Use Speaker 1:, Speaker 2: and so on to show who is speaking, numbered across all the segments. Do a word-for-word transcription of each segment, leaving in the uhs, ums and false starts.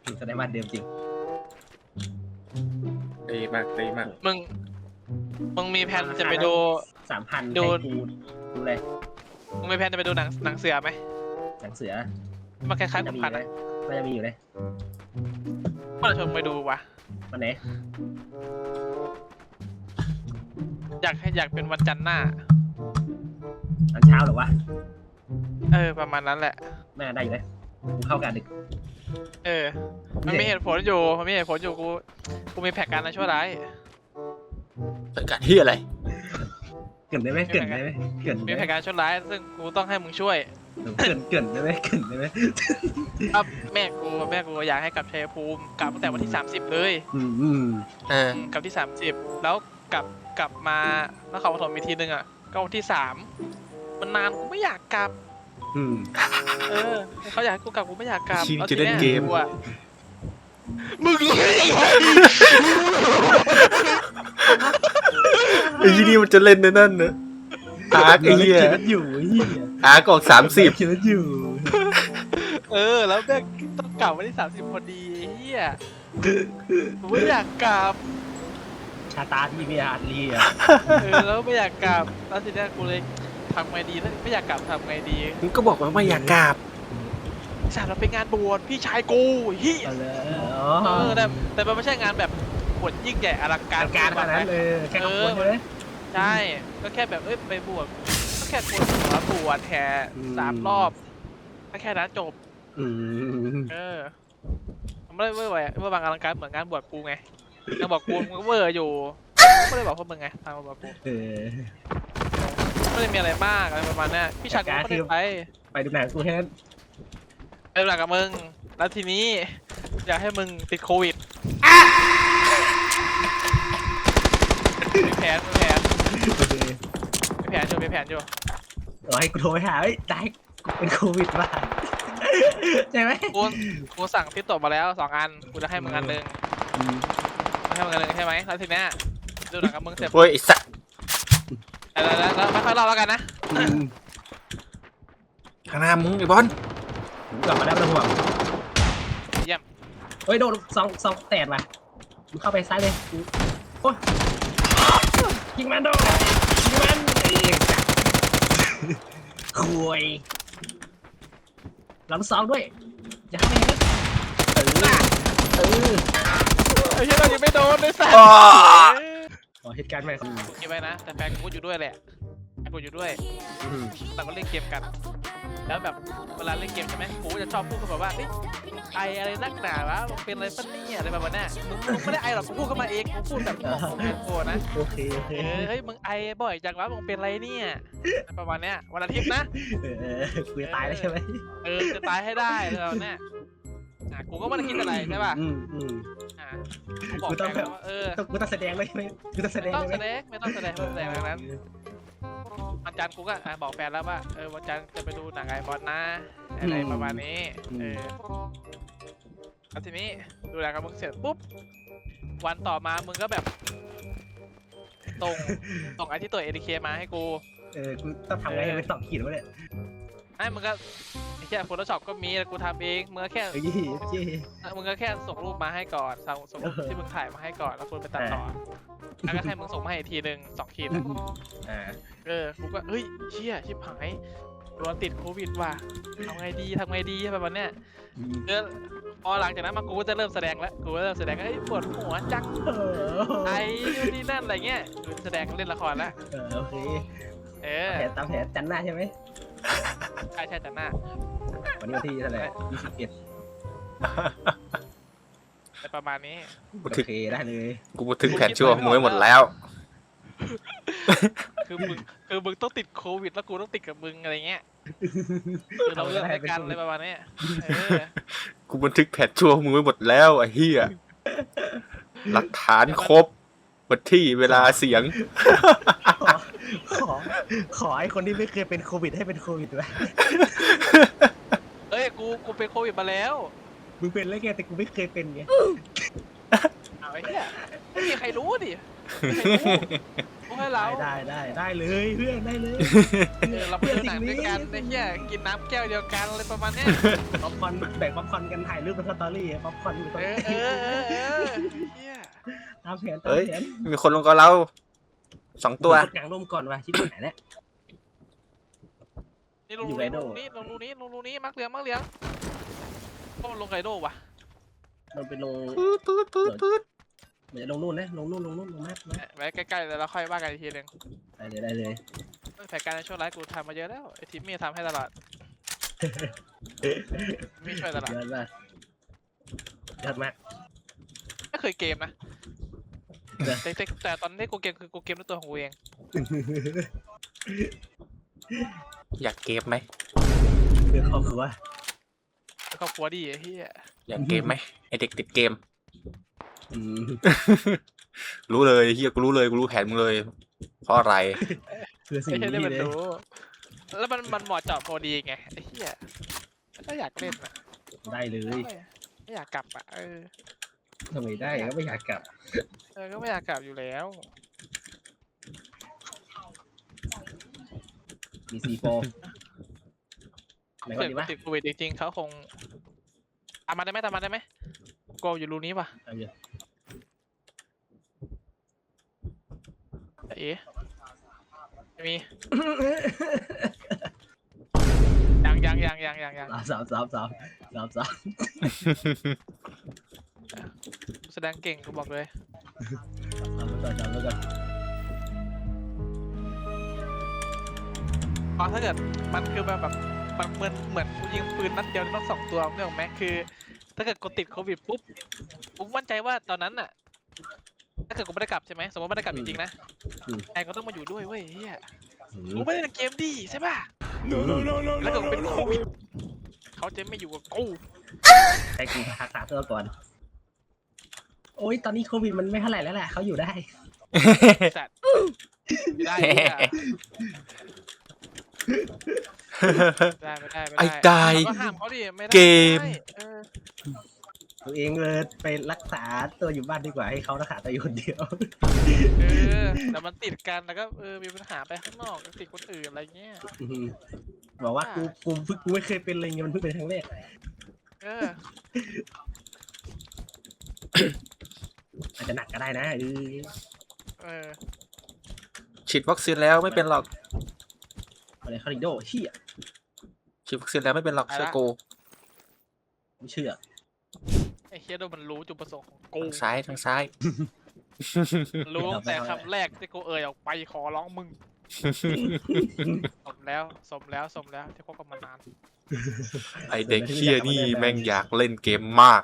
Speaker 1: แสดงว่าเดิมจริง
Speaker 2: ดีมากดีมาก
Speaker 3: มึงมึงมีแผนจะไปดู
Speaker 1: สามพัน
Speaker 3: ดู
Speaker 1: ดูดูเลย
Speaker 3: มึงมีแผนจะไปดูหนังหนังเสือไหม
Speaker 1: หนังเสือ
Speaker 3: มันคล้ายๆ
Speaker 1: จะ
Speaker 3: ขุน
Speaker 1: มี
Speaker 3: พันธ์
Speaker 1: ไหม
Speaker 3: อะ
Speaker 1: มันจะมีอยู่เลย
Speaker 3: เมื่อไหร่ชวนไปดูวะ
Speaker 1: วันไหน
Speaker 3: อยากให้อยากเป็นวันจันทร์หน้า
Speaker 1: ตอนเช้าหรอวะ
Speaker 3: เออประมาณนั้นแหละ
Speaker 1: แม่ได้อยู่เลยกูเข้ากันดึก
Speaker 3: เออ มันมีเหตุผลอยู่มันมีเหตุผลอยู่กูกูมีแผนการในชั่วร้าย
Speaker 2: เป็นการที่อะไร
Speaker 1: เกินได้ไหมเกินได้ไหมเกิน
Speaker 3: มี
Speaker 1: ได้
Speaker 3: แผ
Speaker 1: ไหม
Speaker 3: นการชั่วร้ายซึ่งกูต้องให้มึงช่วย
Speaker 1: เกินเกินได้ไหมเกินได้ไหม
Speaker 3: ครับแม่กูแม่กูอยากให้กลับชัยภูมิกลับตั้งแต่วันที่สามสิบเลย
Speaker 1: อืมอืม
Speaker 2: เออ
Speaker 3: กลับที่สามสิบแล้วกลับกลับมานครปฐมอีกทีนึงอ่ะก็วันที่สามมันนานกูไม่อยากกลับ
Speaker 1: อืม
Speaker 3: เออเขาอยากให้กูกลับกูไม่อยากกลับ
Speaker 2: ชีวิต
Speaker 3: แล้ว
Speaker 2: จะเล่น
Speaker 3: ทีย
Speaker 2: เกม
Speaker 3: อะมึงรู้ได้ยังไง
Speaker 2: ไอ้ที่นี่มันจะเล่นในนั่นเนอะอาร์คไอ้เหี้ย
Speaker 1: คิดว่าอยู่เหี้ย
Speaker 2: อาร์คออกสามสิบ
Speaker 1: คิดว่าอยู่
Speaker 3: เออแล้วแม่งต้องกลับวันที่สามสิบพอดีไอ้เฮียกูไม่อยากกลับ
Speaker 1: ชาตาที่มีอาร์ลีอ่ะ
Speaker 3: เออแล้วไม่อยากกลับแล้วทีเนี้ยกูเลยทำไงดีถ้าไม่อยากกลับทำไงดี
Speaker 2: มึงก็บอกว่าไม่อยากกราบ
Speaker 3: สารเราไปงานบวชพี่ชายกูเฮีย
Speaker 1: เอาเลยอ๋
Speaker 3: เอ
Speaker 1: อ
Speaker 3: อแต่แต่มันไม่ใช่งานแบบบวชยิ่งใหญ่อลังการ
Speaker 1: การขนาดนั้นเลยแค่ขบวนเลย
Speaker 3: ใช่ก็แค่แบบเอ้ยไปบวชก็แค่บวชหัวบวชแห่สามรอบก็แค่นั้นจบ
Speaker 1: อืม
Speaker 3: เออมันไม่ได้เวอร์ไว้เวอร์บางอลังการเหมือนงานบวชกูไงงานบวชกูมันก็เวอร์อยู่ไม่ได้บอกพวกมึงไงทางบวชกู
Speaker 1: เออ
Speaker 3: ไม่ได้มีอะไรมากอะไรประมาณนี้พี่ชายกูก็ไม่ได้ไป
Speaker 1: ไปดูหนังกูแค่นั้น
Speaker 3: ไปหลักกับมึงแล้วทีนี้อยากให้มึงติดโควิดมีแผนมีแผน
Speaker 1: โอเค
Speaker 3: มีแผนอยู่มีแผนอยู่
Speaker 1: รอให้กูโทรไปหาเฮ้ยได้กูเป็นโควิดบ้าใช่ไหม
Speaker 3: กูกูสั่งทิปตบมาแล้วสองอันกูจะให้มึงอันหนึ่ง
Speaker 1: อืม
Speaker 3: ให้มึงอันหนึ่งใช่ไหมแล้วทีเนี้ยดูหนังกับมึงเสร็จ
Speaker 2: โอ้ยไอ้สัส
Speaker 3: แล้วแล้วแล้วไม่ค่อยเล่าแล้วกันนะ
Speaker 1: อืม
Speaker 2: ข้างหน้ามึงไอ้บอล
Speaker 1: กลับมาได้ไม่ต้องห่วง
Speaker 3: เยี่ยม
Speaker 1: เฮ้ยโดนซองซองแตกว่ะมึงเข้าไปซ้ายเลยโอ้ยยิงมันโดนยิงมันไอ้คุยหลังซองด้วยอย่าเข้าไปนะเออเออ
Speaker 3: ไอ้เหี้ยเรายังไม่โดนเลยสัตว์
Speaker 1: ขอเหตุการณ์ใหม่
Speaker 3: เก็บไว้นะแต่แฟนกูอยู่ด้วยแหละแฟนกูอยู่ด้วย
Speaker 1: อืม
Speaker 3: เราก็เล่นเกมกัน แล้วแบบเวลาเล่นเกมใช่ไหมกูจะชอบพูดกันแบบว่าเฮ้ยไออะไรนักหนาวะมึงเป็นอะไรปะเนี่ยอะไรแบบนั้นน่ะมึงมึงไม่ได้ไอหรอกกูพูดเข้ามาเองกูพูดแบบบอกของแฟนกูนะ
Speaker 1: โอเคโอเค
Speaker 3: เออเฮ้ยมึงไอบ่อยจังวะมึงเป็นไรเนี่ยประมาณเนี้ยวันอาทิตย์นะ
Speaker 1: เออกูจะตายแล้วใช่ไหม
Speaker 3: เออจะตายให้ได้เลยแบบเนี้ยอ่ะกูก็ไม่ได้คิดอะไรใช่ป่ะ
Speaker 1: อืมอืม
Speaker 3: อ่ะกูบอกแฟนกูว่าเออ
Speaker 1: ต้องกูต้องแสดงเลยใช่ไหมกูต้องแสด
Speaker 3: ไม่
Speaker 1: ง
Speaker 3: ต้อง
Speaker 1: เลย
Speaker 3: แส
Speaker 1: ไหม
Speaker 3: ดงไม่ต้องแสดงไม่ต้องแสดงดังนั้นวันจันทร์กูก็อ่ะบอกแฟนแล้วว่าเออวันจันทร์จะไปดูหนังไอบอลนะอะไรประมาณนี้เออแล้วทีนี้ดูหนังกับมึงเสร็จปุ๊บวันต่อมามึงก็แบบส่งส่งไอที่ตัว เอ ที เค มาให้กู
Speaker 1: เออกูต้องทำไงให้มันตอบขีดวะเนี่ย
Speaker 3: ไอ้มึงก็ไอ้แค่ Photoshop ก็มีแต่กูทำเองมึงก็แค่
Speaker 1: เฮ้ยเจ๊
Speaker 3: มึงก็แค่ส่งรูปมาให้ก่อนส่งส่งรูป
Speaker 1: เออ
Speaker 3: ที่มึงถ่ายมาให้ก่อนแล้วกูไปตัดต่อแล้วก็ให้มึงส่งมาให้อีกทีหนึ่งสองทีนะ
Speaker 1: อ่า
Speaker 3: เออกูก็เฮ้ยเชี่ยชิบหายโดนติดโควิดว่ะทำไงดีทำไงดีแบบวันเนี้ยเออพอหลังจากนั้นมากูก็จะเริ่มแสดงแล้วกูก็เริ่มแสดงเอ้ยปวดหัวจัง
Speaker 1: เออ
Speaker 3: ไอ้นู่นนี่นั่นอะไรเงี้ยกูแสดงเล่นละครแล้ว
Speaker 1: เออโอเค
Speaker 3: เออ
Speaker 1: แผนตามแผนจันหน้าใช่ไหม
Speaker 3: ใช่ใช่จันหน้า
Speaker 1: วันนี้วันที่เท่าไหร่ยี่สิบเอ็ด
Speaker 3: แต่ประมาณนี้
Speaker 2: กู
Speaker 1: โอ
Speaker 2: ถึง
Speaker 1: เคได้เลย
Speaker 2: กูถึงแผนชั่วมึงไว้หมดแล้ว
Speaker 3: คือมึงคือมึงต้องติดโควิดแล้วกูต้องติดกับมึงอะไรเงี้ยคือเราเลือกด้วยกันอะไรประมาณนี้เออ
Speaker 2: กูบันทึกแผนชั่วมึงไว้หมดแล้วไอ้เหี้ยหลักฐานครบวันที่เวลาเสียง
Speaker 1: ขอขอขอไอ้คนที่ไม่เคยเป็นโควิดให้เป็นโควิดไว้
Speaker 3: เอ้ยกูกูเป็นโควิดมาแล้ว
Speaker 1: มึงเป็นแล้วไงแต่กูไม่เคยเป็นไง
Speaker 3: เอาไอ้เหี้ยไม่มีใครรู้ดิกูให้เรา
Speaker 1: ได้ได้ได้ได้เลยเพื่อนได้เลย
Speaker 3: เออเราไปดูหนังด้วยกันไอ้เหี้ยกินน้ำแก้วเดียวกันอะไรประมาณเนี้ย
Speaker 1: ป๊อปคอร์นแบ่งป๊อปคอร์นกันถ่ายรูปเป็นสตอรี่ป๊อปคอร์นอยู่ตรง
Speaker 3: เอ
Speaker 1: นี้
Speaker 3: อเออเออเออเหี้ย
Speaker 1: ตามแผนตาม
Speaker 2: เฮ้ย
Speaker 1: แผน
Speaker 2: มีคนลงกับเราสองตัว
Speaker 1: กดกลางร่มก่อนว่ะชิบหายแล้ว
Speaker 3: นี่ลง
Speaker 1: อยู่
Speaker 3: รู
Speaker 1: ไก
Speaker 3: นี้
Speaker 1: โด
Speaker 3: ลงรูนี้ลงรูนี้ลงรูนี้มักเหลืองมักเหลืองก็มันลงไกโดว่ะ
Speaker 1: มันไปลง
Speaker 2: ปื๊ดปื๊ดปื๊ดปื๊ด
Speaker 1: เดี๋ยวลงนู่นนะลงนู่นลงนู่นลงมากนะ
Speaker 3: ไว้ใกล้ๆแล้วเราค่อยว่ากันอีกทีหนึง
Speaker 1: ได้เลยได้เลย
Speaker 3: แผนการในช่วงไลฟ์กูทำมาเยอะแล้วไอ้ทีมมี่ทำให้ตลอดมีช่วยตลอด
Speaker 1: ยอดมากยอดมาก
Speaker 3: ไม่เคยเกมนะแต่แต่แต่ตอนนี้กูเกมคือกูเกมด้วยตัวของกูเอง
Speaker 2: อยากเกมไหม
Speaker 1: เพื่อครอบครัว
Speaker 3: ครอบครัวดีไอ้เหี้ย
Speaker 2: อยากเกมไหมไอเด็กติดเกม
Speaker 1: อืม
Speaker 2: รู้เลยเฮียกูรู้เลยกูรู้แผนมึงเลย เพราะอะไร
Speaker 1: เพื่อสิ่
Speaker 3: ไม่
Speaker 1: ง
Speaker 3: ใช่ได้
Speaker 1: นี้
Speaker 3: มัน
Speaker 1: เลย
Speaker 3: รู้แล้วมันมันเหมาะเจาะพอดีไงไอ้เหี้ยก็อยากเล่นอ่ะ
Speaker 1: ได้เลย
Speaker 3: ไม่ไม่อยากกลับอ่ะเออ
Speaker 1: ทำไมได้ก็ไม่อยากกลับ
Speaker 3: เออก็ไม่อยากกลับอยู่แล้ว
Speaker 1: มีซีโฟไหนก่อ
Speaker 3: เกิ
Speaker 1: น
Speaker 3: ด
Speaker 1: ดี
Speaker 3: กู
Speaker 1: วะ
Speaker 3: ติดโควิดจริงๆเขาคงตามมาได้ไหมตามมาได้ไหมโกอยู่รูนี้ป่ะ
Speaker 1: เอาอยู่
Speaker 3: เอ๊ะไม่มียังยังยังยังยังยัง
Speaker 1: สามสามสามสามสาม
Speaker 3: แสดงเก่งกูบอกเลย
Speaker 1: สามไปก่อนสามไปก่อน
Speaker 3: เพราะถ้าเกิดมันคือแบบแบบมันเหมือนเหมือนกูยิงปืนนัดเดียวต้องสองตัวเนี่ยหรอกไหมคือ ถ้าเกิดกูติดโควิดปุ๊บกูมั่นใจว่าตอนนั้นน่ะถ้าเกิดกูไม่ได้กลับใช่ไหมสมมติไม่ได้กลับจริงๆนะไอ้ก็ต้องมาอยู่ด้วยเว้ยเฮียกูไม่ได้เล่นเกมดีใช่ป่ะแล้วเกิดกูเป็นโควิดเขาจะไม่อยู่กับกู
Speaker 1: ให้กูรักษาตัวก่อน โอ้ยตอนนี้โควิดมันไม่เท่าไหร่แล้วแหละเขาอยู่ได้
Speaker 3: สัตว์ไม่ได้ไม่ได้ไม่ได้ไม่ได้
Speaker 2: ไอ้กาย
Speaker 3: ก็ห้ามเขาดิไม่ได้
Speaker 2: เกม
Speaker 3: เออ
Speaker 1: ตัวเองเลยไปรักษาตัวอยู่บ้านดีกว่าให้เขารักษาตัวอยู่คนเดียว
Speaker 3: เออแต่มันติดกันแล้วก็เออมีปัญหาไปข้างนอกติดคนอื่นอะไรเงี้ย
Speaker 1: อืมบอกว่ากูกูเพิ่งกูไม่เคยเป็นอะไรเงี้ยมันเพิ่งเป็นครั้งแรก
Speaker 3: เออ
Speaker 1: อาจจะหนักก็ได้นะเออ
Speaker 3: เออ
Speaker 2: ฉีดวัคซีนแล้วไม่เป็นหรอก
Speaker 1: อะไรคาริโดเฮีย
Speaker 2: ฉีดวัคซีนแล้วไม่เป็นหรอกเชื่อกู
Speaker 1: ไม่เชื่อ
Speaker 3: ไอ้เฮียโดมันรู้จุดประสงค์ของกู
Speaker 2: ทางซ้ายทางซ้าย
Speaker 3: รู้ตั้งแต่คำแรกที่กูเอ่ยออกไปขอร้องมึงสมแล้วสมแล้วสมแล้วที่คบกันมานาน
Speaker 2: ไอเด็กเฮียนี่แม่งอยากเล่นเกมมาก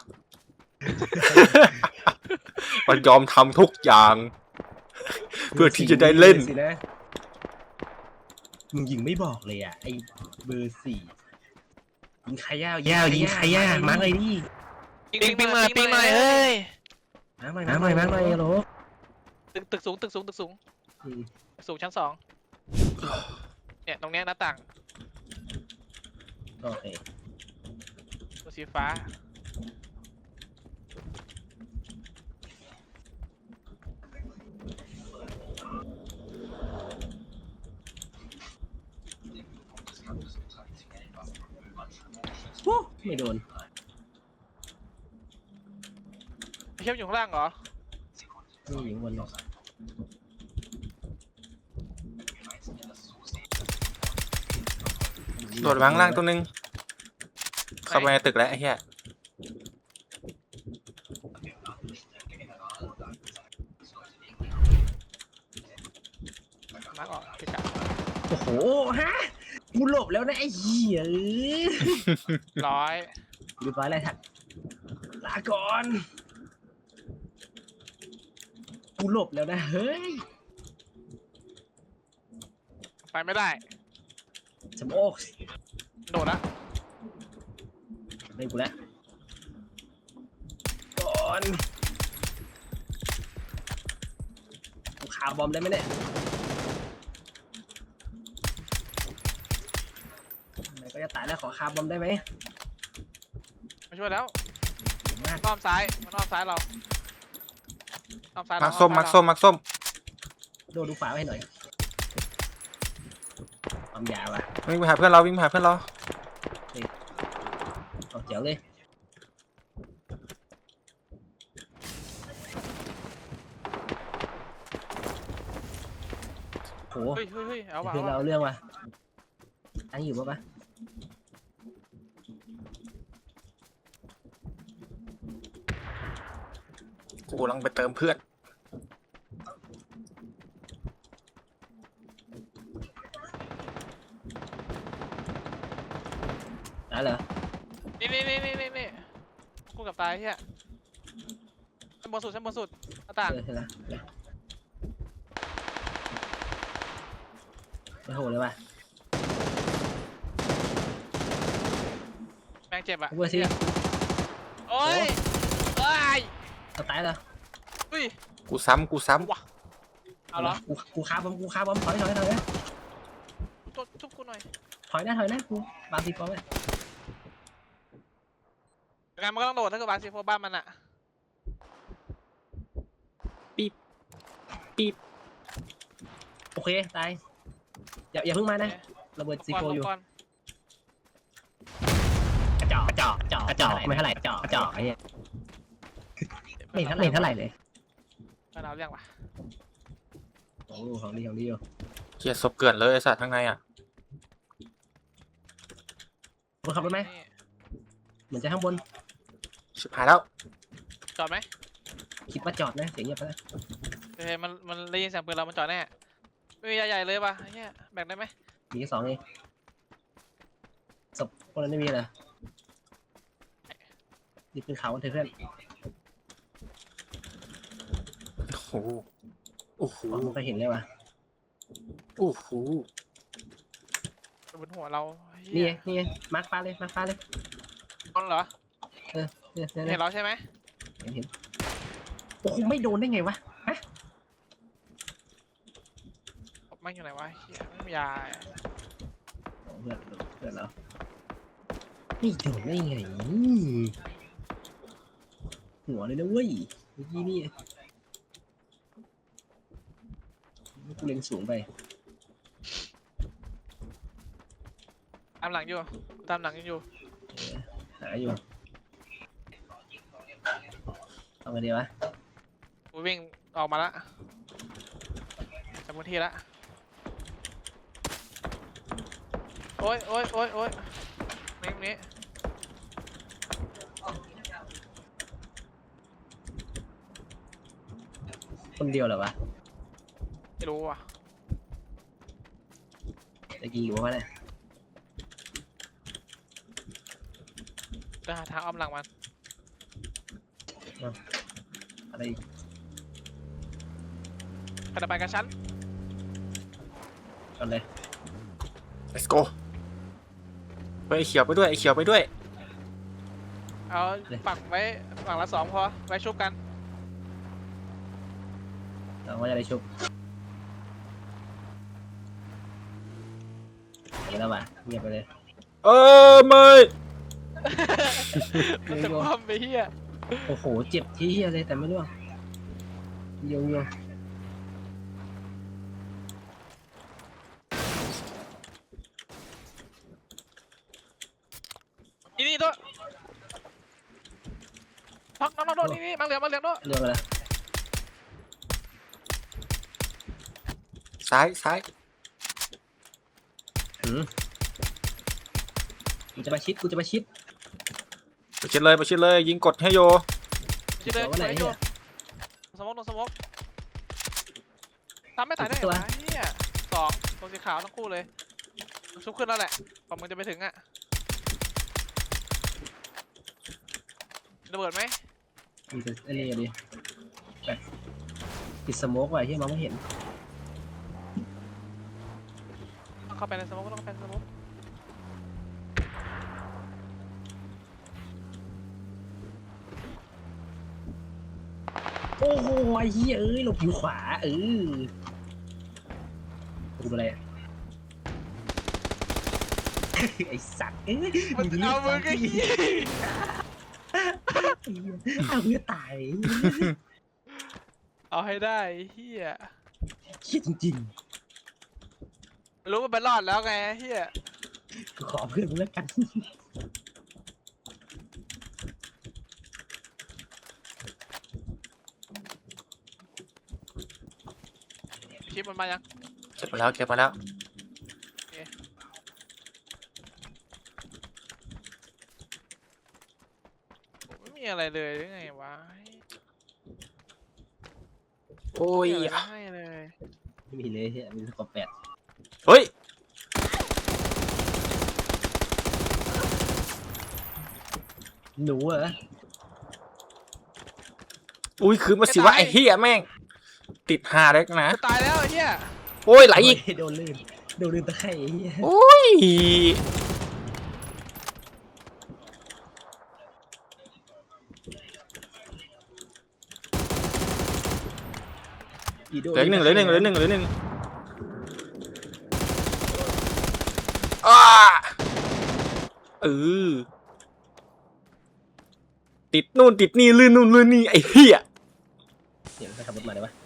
Speaker 2: มันยอมทำทุกอย่าง เพื่อที่จะได้เล่น
Speaker 1: สินะมึงยิงไม่บอกเลยอ่ะไอ้เบอร์สี่ยิงใครย่าวย่าวยิงใครย่ามาร์กเลยดิ
Speaker 3: ปิงปิงมาปิงมาเอ้ย
Speaker 1: มาร์กหน่อยมาร์กหน่อยมาร์กหน่อยฮัลโหล
Speaker 3: ตึกตึกสูงตึกสูงตึกสูง
Speaker 1: อืม
Speaker 3: ตึกสูงชั้นสองเนี่ยตรงเนี้ยหน้าต่าง
Speaker 1: โอเค
Speaker 3: ตัวสีฟ้า
Speaker 1: วู้ไม่โดน
Speaker 3: ไอ้เข้มอยู่ข้างล่างเหรอ
Speaker 1: นี่อยู่บนหรอก
Speaker 2: โดดวางล่างตัวนึง เข้าไปในตึกแล้วไอ้เหี้ย
Speaker 3: มาร์กออกเกะกะ
Speaker 1: โอ้โหฮะกูหลบแล้วนะไอ้เหี้ย
Speaker 3: ร้อย
Speaker 1: เรียบร้อยเลยทักลาก่อนกูหลบแล้วนะเฮ้ย
Speaker 3: ไปไม่ได้
Speaker 1: สมโอ้
Speaker 3: โดดละ
Speaker 1: เล่นกูแล้วก่อนกูคาบอมได้ไหมเนี่ยไหนก็จะตายแล้วขอคาบอมได้ไหม
Speaker 3: มาช่วยแล้ว
Speaker 1: มาก
Speaker 3: อ้อมซ้ายมันอ้อมซ้ายเราอ้อมซ้ายเรา
Speaker 2: มักส้ม
Speaker 3: อ้อ
Speaker 2: มัก
Speaker 3: ซ้าย
Speaker 2: ส้มมักส้ม
Speaker 1: โดนดูฝาไว้ให้หน่อยความยาวอ่ะ
Speaker 2: วิ่งไปหาเพื่อนเราวิ่งไปหาเพื่อนเรา
Speaker 1: เอาเจ๋วเลยโห
Speaker 3: เฮ้ยเฮ้ยเฮ้ยเอาว่ะ
Speaker 1: เพื่อน
Speaker 3: เอา
Speaker 1: เรา
Speaker 3: ว่ะ
Speaker 1: เอาเรื่องว่ะอันนี้อยู่ปะปะ
Speaker 2: กูกำลังไปเติมเพื่อน
Speaker 1: ได้เหรอ
Speaker 3: นี่นี่นี่นี่นี่นี่กูกับตายเฮียชั้นบนสุดชั้นบนสุดหน้าต่าง
Speaker 1: เออเห็นแล้วไม่โหดเลยว่ะ
Speaker 3: แม่งเจ็บอ่ะ
Speaker 1: เวอร์ซี่
Speaker 3: โอ้ยเอ้ย
Speaker 1: เอาตายแล้ว
Speaker 3: อุ้ย
Speaker 2: กูซ้ำกูซ้
Speaker 3: ว่ะเอาเหรอ
Speaker 1: กูกูคาบอมกูคาบอมถอยถอยถอยนะ
Speaker 3: ทุบทุบกูหน่อย
Speaker 1: ถอยนะถอยนะกูบางทีก็ไม่
Speaker 3: งานมันก็ต้องโดดถ้าเกิดบาซีโฟบ้านมันอ่ะ
Speaker 2: ำปี๊บ
Speaker 1: โอเคตายอย่าอย่าเพิ่งมานะระเบิดซีโฟอยู่
Speaker 3: ก่อน
Speaker 1: กระจอกกระจอกกระจอกกระจอกไม่เท่าไหร่กระจอกกระจอกไอ้เหี้ยไม่เท่าไหร่เท่าไหร่เลย
Speaker 3: ก่อนเราเรื่องว่ะ
Speaker 1: ของดูของดีของดีอยู่
Speaker 2: เกียร์ศพเกิดเลยไอ้สัตว์ข้างในอ่ะ
Speaker 1: บนขับรถไหม
Speaker 3: นี่
Speaker 1: เหมือนจะข้างบน
Speaker 2: ชิบหายแล้ว
Speaker 3: จอดไหม
Speaker 1: คิดว่าจอดนะเสียงเงียบไปแล้ว
Speaker 3: เฮ้ยมันมันได้ยินเสียงปืนเรามันจอดแน่ไม่มีใหญ่ๆเลยป่ะเฮียแบ่งได้ไหม
Speaker 1: มีแค่สองเองศพพวกนั้นไม่มีเหรอนี่เป็นเขาเถอะเพื่อน
Speaker 2: โอ้โหโอ้โห
Speaker 1: อ๋อไม่เคยเห็นเลยว่ะ
Speaker 2: โอ้โห
Speaker 3: บนหัวเรา
Speaker 1: นี่
Speaker 3: นี่
Speaker 1: ไงนี่ไงมาร์คฟ้าเลยมาร์คฟ้าเลย
Speaker 3: ตอนเหรอ
Speaker 1: เนี่ยเนี่ย
Speaker 3: เห็
Speaker 1: เนี่ย
Speaker 3: นเราใช่ไหม
Speaker 1: เห็นเห็นโอ้โหไม่โดนได้ไงวะฮะ
Speaker 3: ไม่อยู่ไหนวะเฮียไม่มียา
Speaker 1: โอ้เพื่อนเพื่อนเราไม่โดนได้ไงหัวเลยนะเว้ยเมื่อกี้นี่กูเล็งสูงไป
Speaker 3: ตามหลังอยู่ตามหลังอยู่
Speaker 1: หาอยู่เอาไงดีวะ
Speaker 3: กูวิ่งออกมาละจากพื้นที่ละโอ้ยโอ้ยโอ้ยโอ้ยนี่นี้
Speaker 1: คนเดียวเหรอวะ
Speaker 3: ไม่รู้อ่ะ
Speaker 1: ตะกี้อยู่วะเนี่ย
Speaker 3: จะหาทางอ้อมหลังมัน
Speaker 1: อะไรอีก
Speaker 3: กระไปกับฉัน
Speaker 1: ก่อนเลย
Speaker 2: let's go ไปไอ้เขียวไปด้วยไอ้เขียวไปด้วย
Speaker 3: เอาปักไว้ฝั่งละสองพอไว้ชุบกัน
Speaker 1: เราก็จะได้ชุบเห็นแล้วว่ะเงียบไปเลย
Speaker 2: เออไม่
Speaker 3: มันจะคว่ำไปเฮีย
Speaker 1: โอ้โหเจ็บที่เฮียเลยแต่ไม่ร่วงโยงโยง
Speaker 3: นี่นี่ตัวพักน้องน้องนี่นี่มาเหลืองมาเหลืองด้วย
Speaker 1: เรื่องอะไร
Speaker 2: ซ้ายซ้าย
Speaker 1: หืมกูจะมาชิดกูจะมาชิด
Speaker 2: ไปชิดเลยไปชิดเลยยิงกดให้โย
Speaker 3: ชิดเลย
Speaker 1: ตัวไหน
Speaker 3: ไว้
Speaker 1: เนี่
Speaker 3: ดู
Speaker 1: ย
Speaker 3: สมองสมองทำไม่ตายได้ไงวะเฮียสองตัวสีขาวทั้งคู่เลยชุบขึ้นแล้วแหละกว่ามึงจะไปถึงอ่ะระเบิดไหม
Speaker 1: มันจะไอ้นี่ดิแบบติดสโมกไว้ที่มองไม่เห็น
Speaker 3: ต้องเข้าไปในสมองก็ต้องเข้าไปในสมอง
Speaker 1: โอ้โหไอ้เหี้ยเอ้ยหลบอยู่ขวาเออกูอะไรอะ ไอ้สัตว์เอ้ย
Speaker 3: มันจะเอามือก็เฮีย
Speaker 1: เอาเพื่อตาย
Speaker 3: เอาให้ได้เฮีย
Speaker 1: เครียดจริง
Speaker 3: รู้ว่าไปรอดแล้วไงเฮีย
Speaker 1: ๆกูขอเพื่อนมึงแล้วกัน
Speaker 3: ชิปมันมายัง
Speaker 2: เก็บมาแล้วเก็บมาแล้ว
Speaker 3: ไม่มีอะไรเลยหรือไงวะ
Speaker 2: โอ้ย
Speaker 3: ไม่มีอะไรให้เลย
Speaker 1: ไม่มีเลยเฮียมีสกอร์แปด
Speaker 2: เฮ้ย
Speaker 1: หนูเหรอ
Speaker 2: อุ้ยคือมาสิว่าไอ้เหี้ยแม่ง ติดหาเล็กนะ
Speaker 3: จะตายแล้วไอ้เฮีย
Speaker 2: โอ้ยไหลอีก
Speaker 1: โดนลื่นโดนลื่นตะไคร่ไอ้เฮีย
Speaker 2: โอ้ย
Speaker 1: อีโด
Speaker 2: เหลืออีกหนึ่งเหลือหนึ่งเหลือหนึ่งเหลือหนึ่งอ้าเออติดนู่นติดนี่ลื่นนู่นลื่นนี่ไอ้เหี้ย
Speaker 1: เดี๋ยวไปขับรถมาได้ปะ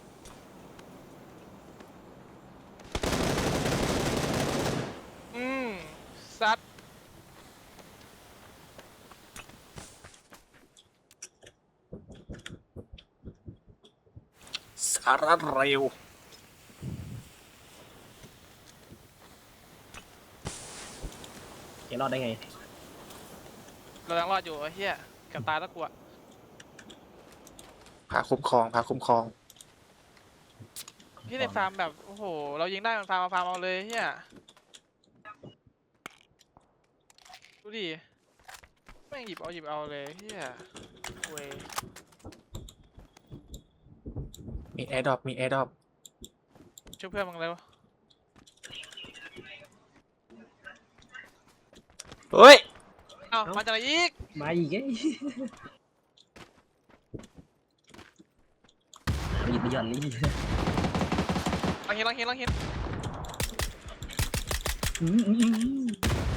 Speaker 3: อืมซัด
Speaker 2: สาระเร็ว
Speaker 1: แกรอดได้ไง
Speaker 3: เรายังรอดอยู่ไอ้เฮียเกับตายแล้วกูอะ
Speaker 2: พาคุ้มครองพาคุ้มครอง
Speaker 3: ที่ในฟาร์มแบบโอ้โหเรายิงได้มันฟาร์มเอาฟาร์มเอาเลยเฮียดูดิแม่งหยิบเอาหยิบเอาเลยเฮียเว้ย
Speaker 2: มีแอร์ดรอปมีแอร์ดรอป
Speaker 3: ช่วยเพื่อนมึงเร็ว
Speaker 2: เฮ้ย
Speaker 3: เอ้ามาจากไหนอีก
Speaker 1: มาอีกไอ้เอาหยิบไปหย่อนเลย
Speaker 3: ลังเห็นลังเห็นลังเห็น
Speaker 1: อืมอืมอืม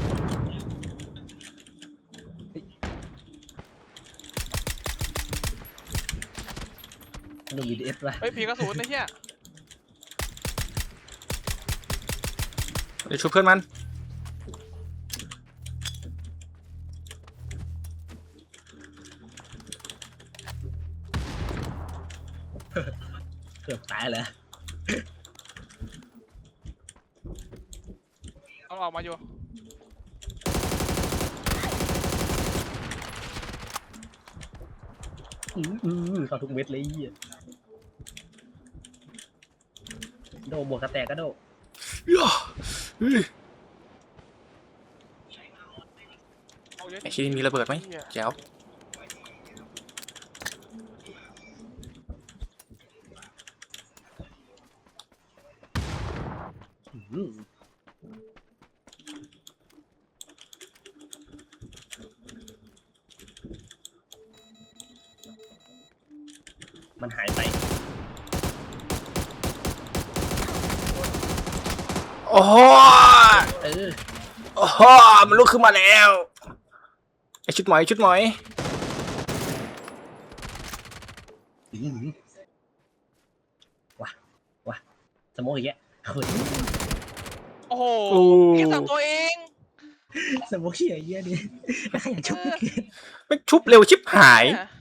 Speaker 1: หนุ่มบีดีเอสป่ะ
Speaker 3: เฮ้ยผีกระสุนไอ้เหี้ย
Speaker 2: เดี๋ยวช่วยเพื่อนมัน
Speaker 1: เกือบตายเลย
Speaker 3: ต้องออกมาอยู่
Speaker 1: อืมอืมเข้าทุกเม็ดเลยไอ้เหี้ยโดบวกกระแตกก็โด
Speaker 2: ย่าเฮ้ย
Speaker 3: เอาเยอะ
Speaker 2: ไอ้ชิ้นนี้มีระเบิดไหม
Speaker 3: เหี้ย
Speaker 2: แจ๋ว
Speaker 1: อืมมันหายไป
Speaker 2: โอ้โห
Speaker 1: เออ
Speaker 2: โอ้โหมันลุกขึ้นมาแล้วไอ้ชุดหมอยชุดหมอย
Speaker 1: อืมว่ะว่ะสโมองอีกแกเฮ้ย
Speaker 3: โอ้โหแค่สามตัวเอง
Speaker 1: สโมองเหี้ยไอ้เหี้ยนี่แล้วใครอยากชก
Speaker 2: ไม่ชุบเร็วชิบหาย
Speaker 3: เนี่ย